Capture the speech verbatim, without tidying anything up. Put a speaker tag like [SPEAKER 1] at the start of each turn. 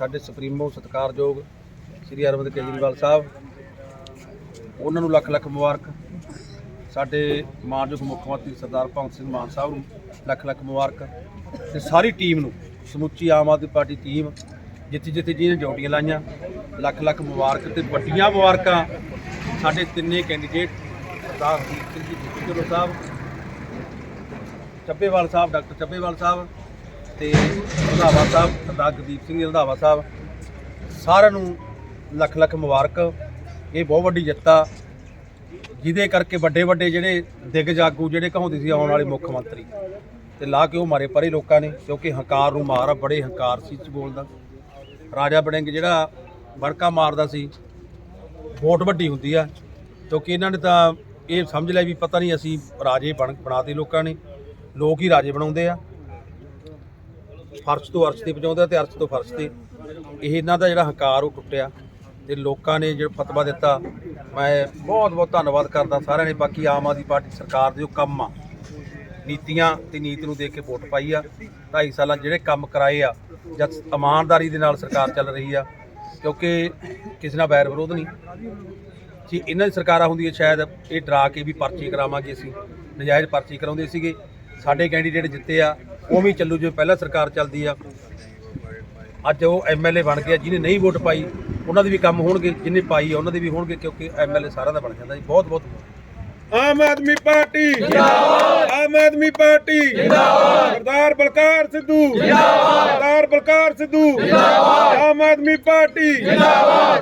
[SPEAKER 1] साडे सुप्रीमो सत्कारयोग श्री अरविंद केजरीवाल साहब, उन्होंने लख लख मुबारक। साडे मानयोग मुख्यमंत्री सरदार भगवंत सिंह मान साहब नूं लख लख मुबारक ते सारी टीम नूं, समुची आम आदमी पार्टी टीम जिथे जिथे जिन्हें ड्यूटियां लाइया लख लख मुबारक ते वड्डियां मुबारकां साडे तिन्ने कैंडीडेट सरदार हरदीप सिंह जी ढिल्लों साहब, ਚੱਬੇਵਾਲ साहब डॉक्टर ਚੱਬੇਵਾਲ साहब ਤੇ ਰੰਧਾਵਾ साहब सरदार गुरदीप सिंह रंधावा साहब, ਸਾਰਿਆਂ ਨੂੰ ਲੱਖ ਲੱਖ ਮੁਬਾਰਕ। ਇਹ ਬਹੁਤ ਵੱਡੀ ਜਿੱਤ ਆ ਜਿਹਦੇ ਕਰਕੇ ਵੱਡੇ ਵੱਡੇ ਜਿਹੜੇ ਦਿਗਜ ਆਗੂ ਜਿਹੜੇ ਕਹਾਉਂਦੇ ਸੀ ਆਉਣ ਵਾਲੇ ਮੁੱਖ ਮੰਤਰੀ ਤੇ ਲਾ ਕੇ ਉਹ ਮਾਰੇ ਪਰੇ ਲੋਕਾਂ ਨੇ, ਕਿਉਂਕਿ ਹੰਕਾਰ ਨੂੰ ਮਾਰ ਆ, ਬੜੇ ਹੰਕਾਰ ਸੀ ਚ ਬੋਲਦਾ। ਰਾਜਾ ਵੜਿੰਗ ਜਿਹੜਾ ਵੜਕਾ ਮਾਰਦਾ ਸੀ, ਵੋਟ ਵੱਡੀ ਹੁੰਦੀ ਆ, ਕਿਉਂਕਿ ਇਹਨਾਂ ਨੇ ਤਾਂ ਇਹ ਸਮਝ ਲਿਆ ਵੀ ਪਤਾ ਨਹੀਂ ਅਸੀਂ ਰਾਜੇ ਬਣ ਬਣਾਤੇ ਲੋਕਾਂ ਨੇ, ਲੋਕ ਹੀ ਰਾਜੇ ਬਣਾਉਂਦੇ ਆ, ਫਰਸ਼ ਤੋਂ ਅਰਸ਼ ਤੇ ਪਹੁੰਚਾਉਂਦੇ ਆ ਤੇ ਅਰਸ਼ ਤੋਂ ਫਰਸ਼ ਤੇ। ਇਹ ਇਹਨਾਂ ਦਾ ਜਿਹੜਾ ਹੰਕਾਰ ਉਹ ਟੁੱਟਿਆ ਤੇ ਲੋਕਾਂ ਨੇ ਜਿਹੜਾ ਫਤਵਾ ਦਿੱਤਾ, ਮੈਂ ਬਹੁਤ ਬਹੁਤ ਧੰਨਵਾਦ ਕਰਦਾ ਸਾਰਿਆਂ ਨੇ। ਬਾਕੀ ਆਮ ਆਦਮੀ ਪਾਰਟੀ ਸਰਕਾਰ ਦੇ ਜੋ ਕੰਮ ਆ, ਨੀਤੀਆਂ ਤੇ ਨੀਤ ਨੂੰ ਦੇਖ ਕੇ ਵੋਟ ਪਾਈ ਆ। ਢਾਈ ਸਾਲਾਂ ਜਿਹੜੇ ਕੰਮ ਕਰਾਏ ਆ, ਜਦ ਇਮਾਨਦਾਰੀ ਦੇ ਨਾਲ ਸਰਕਾਰ ਚੱਲ ਰਹੀ ਆ, ਕਿਉਂਕਿ ਕਿਸੇ ਨਾਲ ਵੈਰ ਵਿਰੋਧ ਨਹੀਂ। ਜੇ ਇਹਨਾਂ ਦੀ ਸਰਕਾਰਾਂ ਹੁੰਦੀਆਂ ਸ਼ਾਇਦ ਇਹ ਡਰਾ ਕੇ ਵੀ ਪਰਚੀ ਕਰਾਵਾਂਗੇ, ਅਸੀਂ ਨਜਾਇਜ਼ ਪਰਚੀ ਕਰਾਉਂਦੇ ਸੀਗੇ। ਸਾਡੇ ਕੈਂਡੀਡੇਟ ਜਿੱਤੇ ਆ, ਉਵੇਂ ਚੱਲੂ ਜਿਵੇਂ ਪਹਿਲਾਂ ਸਰਕਾਰ ਚੱਲਦੀ ਆ। ਅੱਜ ਉਹ ਐਮ ਐਲ ਏ ਬਣ ਗਿਆ, ਜਿਹਨੇ ਨਹੀਂ ਵੋਟ ਪਾਈ ਉਹਨਾਂ ਦੇ ਵੀ ਕੰਮ ਹੋਣਗੇ, ਜਿਹਨੇ ਪਾਈ ਆ ਉਹਨਾਂ ਦੇ ਵੀ ਹੋਣਗੇ, ਕਿਉਂਕਿ ਐਮ ਐਲ ਏ ਸਾਰਿਆਂ ਦਾ ਬਣ ਜਾਂਦਾ ਜੀ। ਬਹੁਤ ਬਹੁਤ
[SPEAKER 2] ਆਮ ਆਦਮੀ ਪਾਰਟੀ ਜਿੰਦਾਬਾਦ, ਆਮ ਆਦਮੀ ਪਾਰਟੀ ਜਿੰਦਾਬਾਦ, ਸਰਦਾਰ ਬਲਕਾਰ ਸਿੱਧੂ ਜਿੰਦਾਬਾਦ, ਸਰਦਾਰ ਬਲਕਾਰ ਸਿੱਧੂ ਜਿੰਦਾਬਾਦ, ਆਮ ਆਦਮੀ ਪਾਰਟੀ ਜਿੰਦਾਬਾਦ।